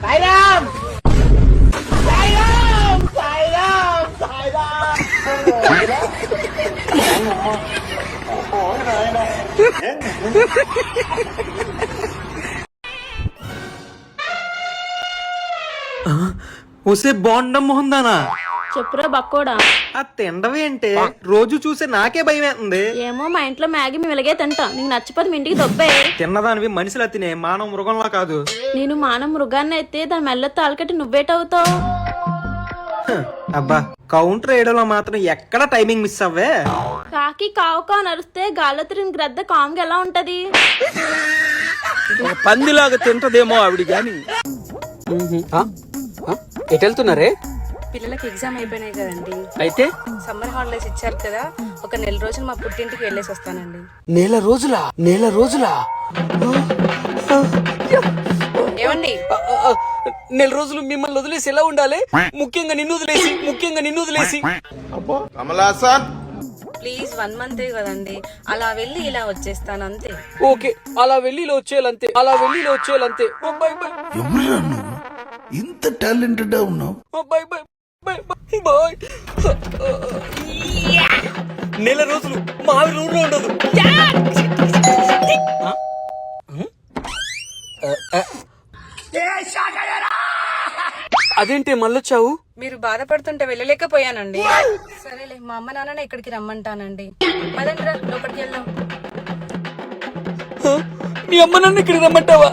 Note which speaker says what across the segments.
Speaker 1: సాయిరామ్ సాయిరామ్ సాయిరామ్ సాయిరామ్.
Speaker 2: వస్తే బాండం మొహం దానా
Speaker 3: చెప్పురా బక్కోడా.
Speaker 2: ఆ తిండవేంటే రోజు చూసే నాకే భయం వేస్తుంది.
Speaker 3: ఏమో మా ఇంట్లో మ్యాగీ మేము ఇలాగే తింటా. నీకు నచ్చిపోతే మీ ఇంటికి దొబ్బే.
Speaker 2: తిన్నదానివి మనిషిలా తినే మానవ మృగంలా కాదు.
Speaker 3: నేను మానవ మృగాన్ని అయితే దాని మెల్ల తాళకట్టి నువ్వేటవుతావు.
Speaker 2: అబ్బా కౌంటర్ వేయడంలో మాత్రం ఎక్కడ టైమింగ్ మిస్ అవ్వే.
Speaker 3: కాకి కావుకా నరిస్తే గాల్లో తిరిగిన గ్రద్ద కామ్గా ఎలా ఉంటది?
Speaker 4: పందిలాగా తింటదేమో ఆవిడ గాని.
Speaker 5: ఎటు వెళ్తున్నారే?
Speaker 6: పిల్లలకి ఎగ్జామ్ అయిపోయినాయి కదండి,
Speaker 5: అయితే
Speaker 6: సమ్మర్ హాలిడేస్ ఇచ్చారు కదా, ఒక నెల రోజులు మా పుట్టింటికి వెళ్ళేసి వస్తానండి.
Speaker 5: నెల రోజులా
Speaker 6: ఏమండి?
Speaker 5: నెల రోజులు మిమ్మల్ని వదిలేసి ఎలా ఉండాలి? ముఖ్యంగా నిన్ను వదిలేసి
Speaker 6: ప్లీజ్ 1 మంతే కదండి, అలా వెళ్ళి ఇలా వచ్చేస్తాను అంతే.
Speaker 5: ఓకే, అలా వెళ్ళి ఇలా వచ్చేయాలంతే. Bye bye.
Speaker 7: ఎవరురా నువ్వు ఇంత టాలెంటెడ్ ఉన్నావు?
Speaker 5: Bye bye bye. నెల రోజులు మా ఆవిడ ఊళ్ళో ఉండదు. అదేంటి మళ్ళొచ్చావు?
Speaker 6: మీరు బాధపడుతుంటే వెళ్ళలేకపోయానండి. సరేలే, మా అమ్మ నాన్న ఇక్కడికి రమ్మంటానండి. పదండిరా లోపలికి వెళ్దాం.
Speaker 5: మీ అమ్మ నన్ను ఇక్కడికి రమ్మంటావా?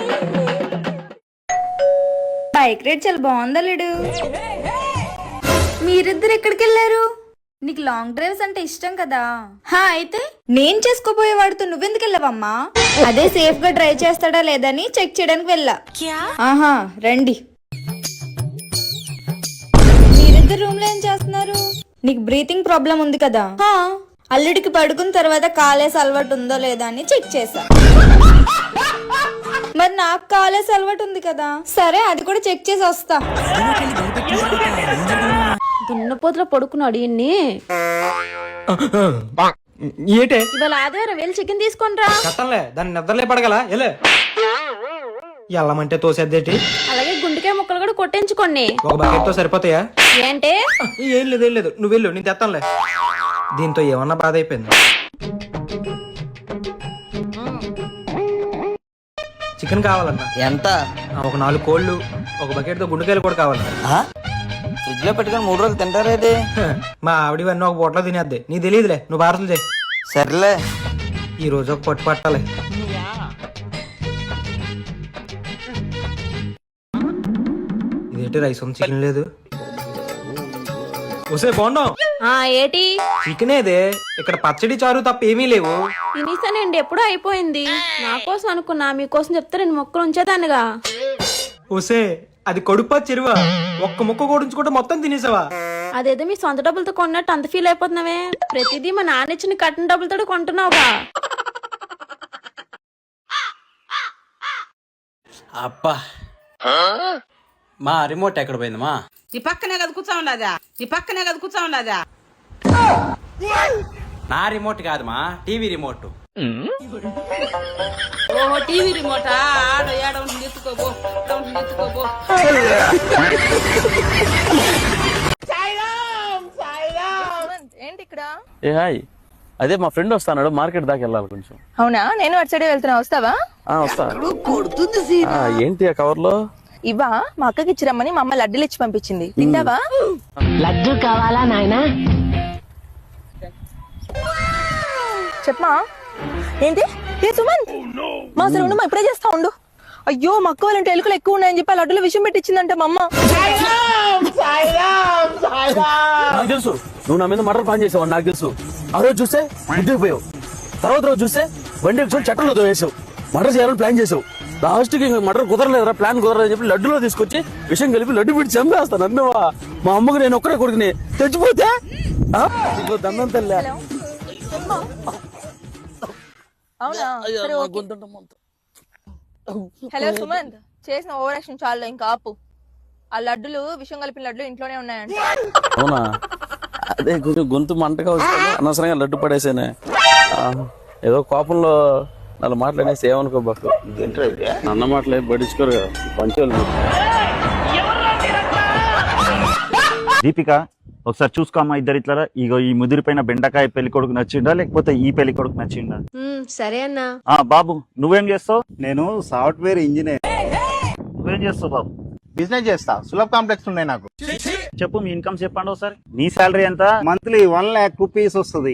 Speaker 8: బైక్ రైడ్ చాలా బాగుందా లేడు? మీరిద్దరు ఎక్కడికి వెళ్ళారు? నీకు లాంగ్ డ్రైవ్స్ అంటే ఇష్టం కదా? అయితే నేను చేసుకోబోయే వాడితో నువ్వెందుకు వెళ్ళావమ్మా? అదే సేఫ్ గా డ్రైవ్ చేస్తాడా లేదని చెక్ చేయడానికి వెళ్ళా. ఆహా రండి. మీరిద్దరు రూమ్ లో ఏం చేస్తున్నారు? నీకు బ్రీతింగ్ ప్రాబ్లం ఉంది కదా? అల్లుడికి పడుకున్న తర్వాత కాలేసి అలవాటు ఉందో లేదా అని చెక్ చేసా. మరి నాకు కాలేసి అలవాటు ఉంది కదా, సరే అది కూడా చెక్ చేసి వస్తా.
Speaker 3: దున్నపోతులో పడుకున్నాడు ఈయన్ని.
Speaker 2: ఏటే
Speaker 3: ఇవాళ ఆదివారం వెళ్ళి చికెన్ తీసుకొనిరా.
Speaker 2: కట్టంలే దాన్ని నిద్రలే పడగల ఎలే. ఎల్లమంటే తోసేద్దేటి.
Speaker 3: అలాగే గుండెకాయ ముక్కలు కూడా కొట్టించుకోండి.
Speaker 2: ఒక బకెట్ తో సరిపోతాయా?
Speaker 3: ఏంటే?
Speaker 2: ఏం లేదు నువ్వు వెళ్ళు, నేను తెస్తానులే. దీంతో ఏమన్నా బాధ అయిపోయింది. చికెన్ కావాలన్నా
Speaker 1: ఎంత?
Speaker 2: ఒక 4 కోళ్ళు, ఒక బకెట్ తో గుండెకాయలు కూడా కావాలి.
Speaker 1: ఫ్రిడ్జ్ లో పెట్టుకుని 3 రోజులు తింటారేది?
Speaker 2: మా ఆవిడవన్నీ ఒక పూటలో తినేద్ది. నీకు తెలియదులే, నువ్వు పార్సల్ చేయి.
Speaker 1: సర్లే,
Speaker 2: ఈ రోజు ఒక పట్టు పట్టాలి. ఇదేంటి రైస్ ఉంది, చికెన్ లేదు. వస్తే బాగున్నాం.
Speaker 3: ఏటి
Speaker 2: చికెన్ ఏదే, ఇక్కడ పచ్చడి చారు తప్ప ఏమీ లేవు.
Speaker 3: తినేసానండి, ఎప్పుడో అయిపోయింది. నా కోసం అనుకున్నా, మీకోసం చెప్తే 2 ముక్కలు ఉంచేదాన్నిగా.
Speaker 2: వస్తే అది కడుపా చెరువా? ఒక్క ముక్క కోడించుకుంటే మొత్తం తినేసావా?
Speaker 3: అదేదో మీ సొంత డబ్బులతో కొన్నట్టు అంత ఫీల్ అయిపోతున్నావే. ప్రతిదీ మా నాన్న ఇచ్చిన కట్టిన డబ్బులతో కొంటున్నావుగా.
Speaker 4: అబ్బా, మా రిమోట్ ఎక్కడ పోయిందమ్మా?
Speaker 9: ఈ పక్కనే కదా కూర్చో ఉన్నదా?
Speaker 4: నా రిమోట్ కాదమ్మా, టీవీ రిమోట్.
Speaker 9: ఓహో, టీవీ రిమోటా? ఆడ ఏడ ఉంటుంది ఎత్తుకోబో.
Speaker 6: ఏంటి ఇక్కడ?
Speaker 10: ఏ హాయ్, అదే మా ఫ్రెండ్ వస్తాడు, మార్కెట్ దాకా వెళ్ళాలి కొంచెం.
Speaker 6: అవునా, నేను అటు సైడ్ వెళ్తున్నా, వస్తావా?
Speaker 10: వస్తా. ఏంటి ఆ కవర్ లో?
Speaker 6: ఇవా మా అక్కకి ఇచ్చిరమ్మని మా అమ్మ లడ్డూలు ఇచ్చి పంపించింది, తింటావా?
Speaker 8: లడ్డు కావాలా నాయనా?
Speaker 6: చెప్పమా. ఏంటి? ఏ సుమంత్, మా అసలు ఉండు, మా ఇప్పుడే చేస్తా ఉండు. అయ్యో, మా అక్క వాళ్ళంటే ఎలుకలు ఎక్కువ ఉన్నాయని చెప్పి ఆ లడ్డులో విషయం పెట్టించిందంట మా అమ్మ.
Speaker 10: నాకు తెలుసు నువ్వు నా మీద మటర్ ప్లాన్ చేసావు, నాకు తెలుసు. ఆ రోజు చూస్తే ఇంటికి పోయావు, తర్వాత రోజు చూస్తే బండి ఎక్కువ చట్టంలో వేసావు, మటర్ చేయాలని ప్లాన్ చేసావు. లాస్ట్ కి మటర్ కుదరలేదురా, ప్లాన్ కుదరలేదని చెప్పి లడ్డులో తీసుకొచ్చి విషయం కలిపి లడ్డు పెట్టి చంపేస్తాను అన్నవా. మా అమ్మకు నేను ఒక్కడే కొడుకుని తెచ్చిపోతే దండం తల్లి.
Speaker 6: హలో సుమంత్, చేసిన ఓవర్ యాక్షన్ చాలు, ఇంకా ఆపు. ఆ లడ్డులు విషయం కలిపిన లడ్డు ఇంట్లోనే ఉన్నాయంట.
Speaker 10: అవునా? అదే కొంచెం గొంతు మంటగా వస్తుంది, అనవసరంగా లడ్డు పడేసానే. ఏదో కోపంలో నాలుగు మాటలు అనేసి ఏమనుకోబాకు. అన్న మాటలు పట్టించుకోరు కదా పంచోళ్ళు.
Speaker 11: దీపిక ఒకసారి చూసుకోమ్మా ఇద్దరు ఇట్లా. ఇగో ఈ ముదిరిపోయిన బెండకాయ పెళ్లి కొడుకు నచ్చిందా లేకపోతే ఈ పెళ్లి కొడుకు నచ్చిందా?
Speaker 3: సరే అన్నా.
Speaker 11: బాబు నువ్వేం చేస్తావు?
Speaker 1: నేను సాఫ్ట్వేర్ ఇంజనీర్.
Speaker 11: నువ్వేం చేస్తావు బాబు?
Speaker 1: బిజినెస్ చేస్తా. సులభ్ కాంప్లెక్స్ ఉన్నాయి నాకు.
Speaker 11: చెప్పు మీ ఇన్కమ్ చెప్పండి ఒకసారి. నీ శాలరీ ఎంత?
Speaker 1: మంత్లీ 1 lakh రూపీస్ వస్తుంది.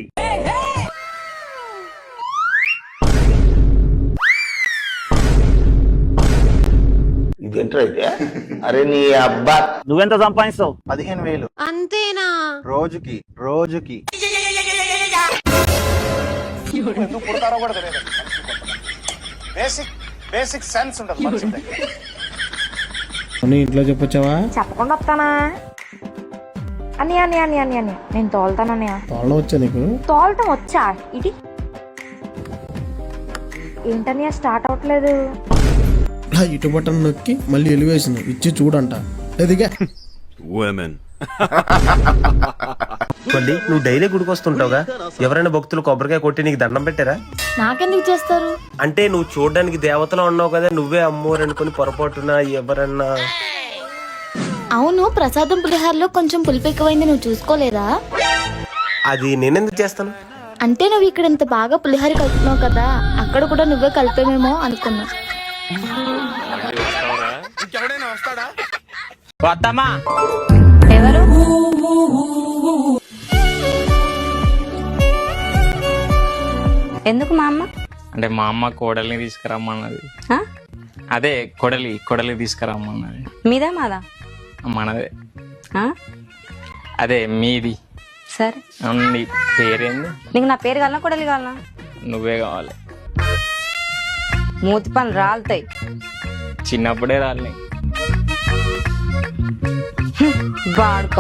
Speaker 1: ఇదేంటైతే? అరే నీ అబ్బా.
Speaker 11: నువ్వెంత సంపాదిస్తావు?
Speaker 1: 15,000
Speaker 3: అంతేనా?
Speaker 1: రోజుకి. ఎందుకు పుడతారో కూడా తెలియదు. బేసిక్ సెన్స్ ఉండదు మనిషి దగ్గర.
Speaker 2: ఇంట్లో చెప్పొచ్చావా?
Speaker 6: చెప్పకుండా వస్తానా అని అని అని అని అని నేను తోలుతానన్నయ్య.
Speaker 2: తోళ్ళ వచ్చా నీకు?
Speaker 6: తోలటం వచ్చా? ఇది ఏంటన్నయ్య స్టార్ట్ అవట్లేదు.
Speaker 2: ఇటు బటన్ నొక్కి మళ్ళీ ఎలివేషన్ ఇచ్చి చూడంట. అదిగా
Speaker 10: నువ్వు డైలీ గుడికి వస్తుంటావుగా, ఎవరైనా భక్తులు కొబ్బరికాయ కొట్టి నీకు దండం పెట్టారా?
Speaker 8: నాకెందుకు చేస్తారు?
Speaker 10: అంటే నువ్వు చూడడానికి దేవతలో ఉన్నావు కదా, నువ్వే అమ్మోరు అనుకుని పొరపాటున ఎవరన్నా.
Speaker 8: అవును, ప్రసాదం పులిహారలో కొంచెం పులుపు ఎక్కువైంది, నువ్వు చూసుకోలేదా?
Speaker 10: అది నేనెందుకు చేస్తాను?
Speaker 8: అంటే నువ్వు ఇక్కడ ఇంత బాగా పులిహార కలుపుతున్నావు కదా, అక్కడ కూడా నువ్వే కలిపేమేమో అనుకున్నా.
Speaker 3: ఎవరు? ఎందుకు మా అమ్మ?
Speaker 5: అంటే మా అమ్మ కోడల్ని తీసుకురమ్మన్నది. అదే కొడలి తీసుకురమ్మన్నది.
Speaker 3: మీదా మాదా?
Speaker 5: మనదే. అదే మీది.
Speaker 3: సరే,
Speaker 5: నీ పేరేంది?
Speaker 3: నీకు నా పేరు కావాలనా కొడలి కావాలనా?
Speaker 5: నువ్వే కావాలి.
Speaker 3: మూతి పనులు రాలుతాయి.
Speaker 5: చిన్నప్పుడే రాలి.
Speaker 3: వాడుకో.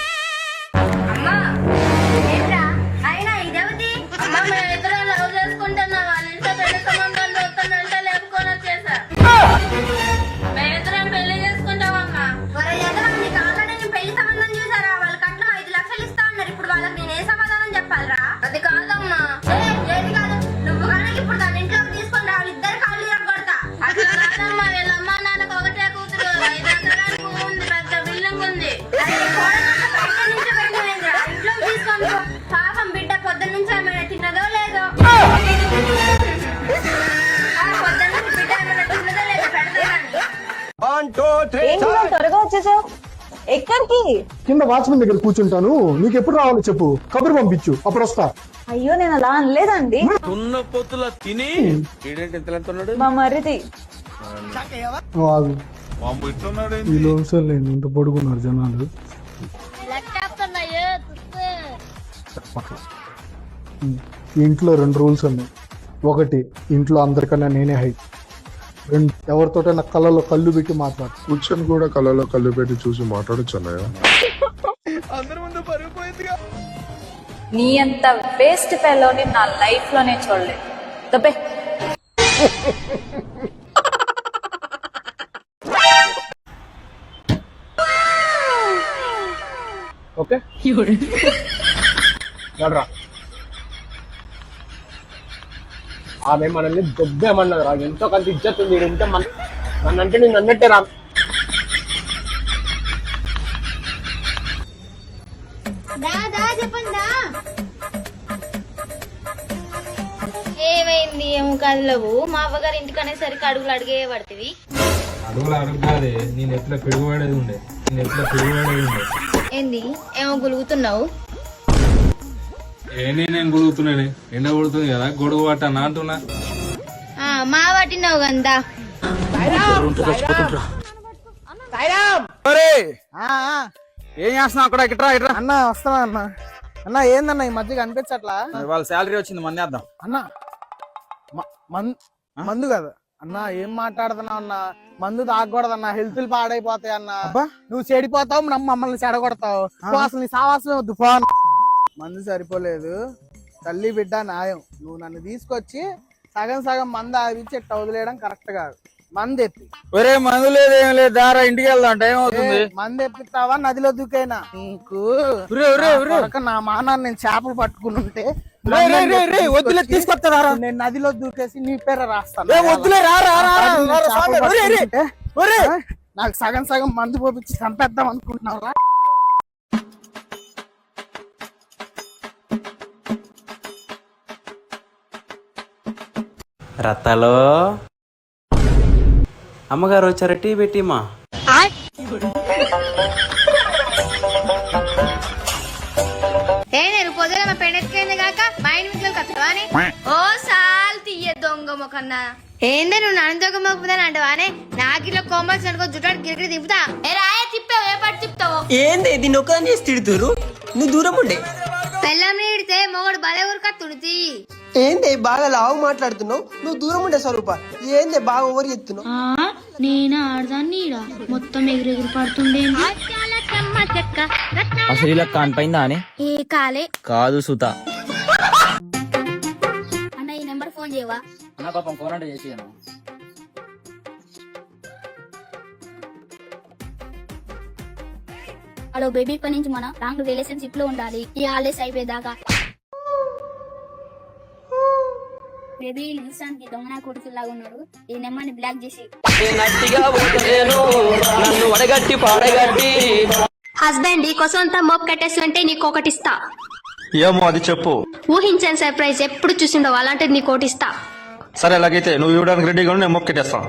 Speaker 6: త్వరగా వచ్చేసావు. ఎక్కడికి?
Speaker 2: కింద వాచ్మెన్ దగ్గర కూర్చుంటాను. నీకు ఎప్పుడు రావాలో చెప్పు, కబురు పంపించు, అప్పుడు వస్తా.
Speaker 6: అయ్యో నేను అలా అనలేదండి.
Speaker 10: తిని
Speaker 6: మా మరిది
Speaker 2: ఇంత పడుకున్నారు జనాలు. ఇంట్లో 2 రూల్స్ ఉన్నాయి. ఒకటి, ఇంట్లో అందరికన్నా నేనే హైట్. 2, ఎవరితోటైనా కళ్ళలో కళ్ళు పెట్టి మాట్లాడు.
Speaker 7: కూర్చొని కూడా కళ్ళలో కళ్ళు పెట్టి చూసి మాట్లాడచ్చు అన్నయ్య.
Speaker 6: నీ అంత వేస్ట్ ఫెలోని నా లైఫ్ లోనే చూడలేదు. దబ్బే.
Speaker 2: ఓకే ఆమె మనల్ని దొబ్బేమన్నది రా. ఎంతో కొంత ఇజ్జత్ ఉంది. ఉంటే నన్నంటే నేను అన్నట్టే రా.
Speaker 8: ఏమైంది? ఏమో కదలవు. మా అవ్వగారి ఇంటికి అనేసరికి అడుగులు అడిగే పడుతుంది.
Speaker 2: అడుగులు అడుగుతాదే. నేను ఎట్లా పిడుగుపడేది ఉండే.
Speaker 8: ఏంది? ఏమో గులుగుతున్నావు?
Speaker 2: నేను గొడుగుతున్నాను. ఎండ కొడుతుంది కదా, గొడుగు పట్టాను అంటున్నా.
Speaker 8: మా పట్టినావు కదా.
Speaker 4: ఏం చేస్తున్నావు అక్కడ? ఇట్రా
Speaker 2: అన్న వస్తున్నా అన్న. అన్న ఏందన్న ఈ మధ్య కనిపించట్లా?
Speaker 4: వాళ్ళ శాలరీ వచ్చింది, మందేద్దాం
Speaker 2: అన్న. మందు కదా అన్న, ఏం మాట్లాడుతున్నావు అన్న? మందు తాగకూడదన్న, హెల్త్ పాడైపోతాయి అన్న. నువ్వు చెడిపోతావు, మమ్మల్ని చెడగొడతావు. అసలు నీ సావాసమే వద్దు. ఫోన్ మందు సరిపోలేదు. తల్లి బిడ్డ న్యాయం. నువ్వు నన్ను తీసుకొచ్చి సగం మందు ఆవించి ఎట్ట వదిలేయడం కరెక్ట్ కాదు. మందు ఎప్పి.
Speaker 4: ఒరే మందు లేదు ఏం లేదు, దారా ఇంటికి వెళ్దాం, టైం అవుతుంది.
Speaker 2: మందు ఎప్పిస్తావా? నదిలో దూకైనా నీకు నా మానాన్ని నేను చేపలు పట్టుకుని ఉంటే
Speaker 4: వద్దులే తీసుకొస్తారా
Speaker 2: నేను నదిలో దూకేసి నీ పేరు రాస్తాను.
Speaker 4: వద్దులే రా రా రా రా, రా, రా, స్వామి. ఒరే, ఒరే, ఒరే.
Speaker 2: నాకు సగం సగం మందు పోపించి చంపేద్దాం అనుకుంటున్నావురా?
Speaker 12: రత్తాలో అమ్మగారు వచ్చారు, టీ పెట్టిమా.
Speaker 8: నేను పొద్దున మా పెండెత్తుకెళ్ళింది కాక మా ఇంటి మీకు కత్తవానే ఓ సాల్ తీయ దొంగ మొకన్నా. ఏందే నువ్వు నన్ను దొంగ మొక్కుతాను అంటవానే? నాకు ఇలా కోమల్స్ అనుకో జుట్టాడు గిరిగిరి తిప్పుతా. ఏ రాయే తిప్పావు, ఏ పాటు తిప్పుతావు?
Speaker 5: ఏంది దీన్ని ఒక్కదాన్ని చేసి తిడుతురు? నువ్వు దూరం ఉండే.
Speaker 8: పెళ్ళం ఇడితే మొగడు బలే ఊరుక తుడితి.
Speaker 5: ఏంది బాగా లావు మాట్లాడుతున్నావు? నువ్వు దూరం ఉండే స్వరూప. ఏంది బాగా ఓవర్ చెప్తున్నావు?
Speaker 8: నేను ఆడదాన్ని మొత్తం ఎగిరెగిరి పడుతుండే.
Speaker 4: అసలు ఇలా కానిపోయిందా అని
Speaker 8: ఏ కాలే
Speaker 4: కాదు సుత.
Speaker 8: అన్న ఈ నెంబర్ ఫోన్ చేయవా?
Speaker 4: అన్న పాపం ఫోన్ అంటే చేసి
Speaker 8: హలో బేబీ, ఇప్పటి నుంచి మనం లాంగ్ రిలేషన్షిప్ లో ఉండాలి ఈ హాలిడేస్ అయిపోయేదాకా. బేబీ నిమిషానికి దొంగన కొడుకులాగా ఉన్నాడు. ఈ నెంబర్ ని బ్లాక్ చేసి. హస్బెండ్ ఈ కోసం అంతా మోప్ కట్టేస్తుంటే నీకు ఒకటి ఇస్తా.
Speaker 1: ఏమో అది చెప్పు.
Speaker 8: ఊహించని సర్ప్రైజ్ ఎప్పుడు చూసిండవు, అలాంటిది నీకు ఒకటి ఇస్తా.
Speaker 1: సరే అలాగైతే నువ్వు ఇవ్వడానికి రెడీగా ఉండి నేను మొక్కెట్టేస్తాను.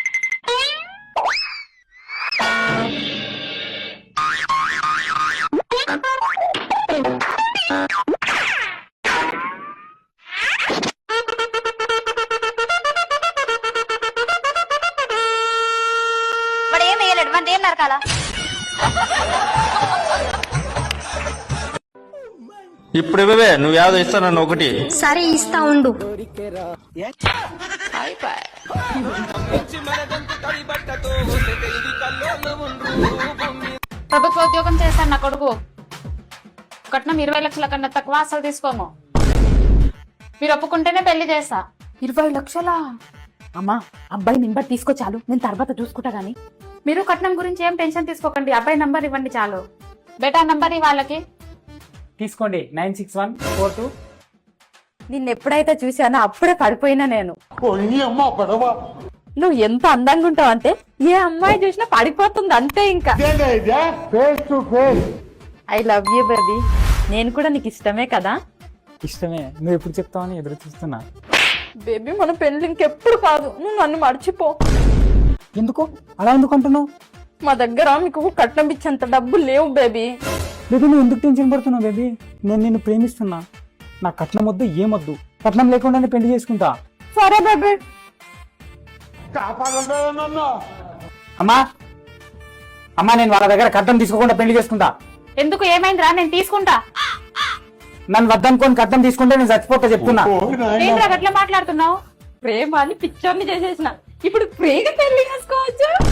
Speaker 8: వాడు ఏం వేయలేడు, వాడు ఏం నరకాలా?
Speaker 1: ఇప్పుడు ఇవ్వవే, నువ్వు యాదో ఇస్తాను నన్ను ఒకటి.
Speaker 8: సరే ఇస్తా ఉండు.
Speaker 3: ప్రభుత్వ ఉద్యోగం చేస్తాను నా కొడుకు. కట్నం 20 లక్షల కన్నా తక్కువ అసలు తీసుకోము. మీరు ఒప్పుకుంటేనే పెళ్లి చేస్తా.
Speaker 9: 20 లక్షలా? అమ్మా అబ్బాయి నెంబర్ తీసుకో చాలు, నేను తర్వాత చూసుకుంటా గానీ.
Speaker 3: మీరు కట్నం గురించి ఏం టెన్షన్ తీసుకోకండి, అబ్బాయి నంబర్ ఇవ్వండి చాలు. బేటా నంబర్ వాళ్ళకి
Speaker 2: తీసుకోండి 96142.
Speaker 9: నిన్ను ఎప్పుడైతే చూసానో అప్పుడే పడిపోయినా నేను. నువ్వు ఎంత అందంగా ఉంటావు అంటే ఏ అమ్మాయి చూసినా పడిపోతుంది అంతే. ఇంకా ఐ లవ్ యూ బేబీ. నేను కూడా నీకు ఇష్టమే కదా?
Speaker 2: ఇష్టమే. నువ్వు ఎప్పుడు చెప్తావని ఎదురు చూస్తున్నా.
Speaker 9: బేబీ మన పెళ్లి ఇంకెప్పుడు కాదు, నువ్వు నన్ను మర్చిపో.
Speaker 2: ఎందుకు అలా ఎందుకు అంటున్నావు?
Speaker 9: మా దగ్గర మీకు కట్నం ఇచ్చేంత డబ్బులు లేవు బేబీ.
Speaker 2: బేబీ నువ్వు ఎందుకు టెన్షన్ పడుతున్నావు? బేబీ నేను నిన్ను ప్రేమిస్తున్నా. నా కట్నం వద్దు, ఏమొద్దు. కట్నం లేకుండానే పెళ్లి చేసుకుంటా.
Speaker 9: సరే బేబీ.
Speaker 2: అమ్మా అమ్మా, నేను వాళ్ళ దగ్గర కట్నం తీసుకోకుండా పెళ్లి చేసుకుంటా.
Speaker 3: ఎందుకు, ఏమైందిరా? నేను తీసుకుంటా.
Speaker 2: నన్ను వద్దనుకొని కట్నం తీసుకుంటే నేను చచ్చిపోతా చెప్తున్నా.
Speaker 3: ఏంట్రా గట్లా మాట్లాడుతున్నావు?
Speaker 9: ప్రేమ అని పిక్చర్ని చేసేసిన, ఇప్పుడు ఫ్రీగా పెళ్లి చేసుకోవచ్చు.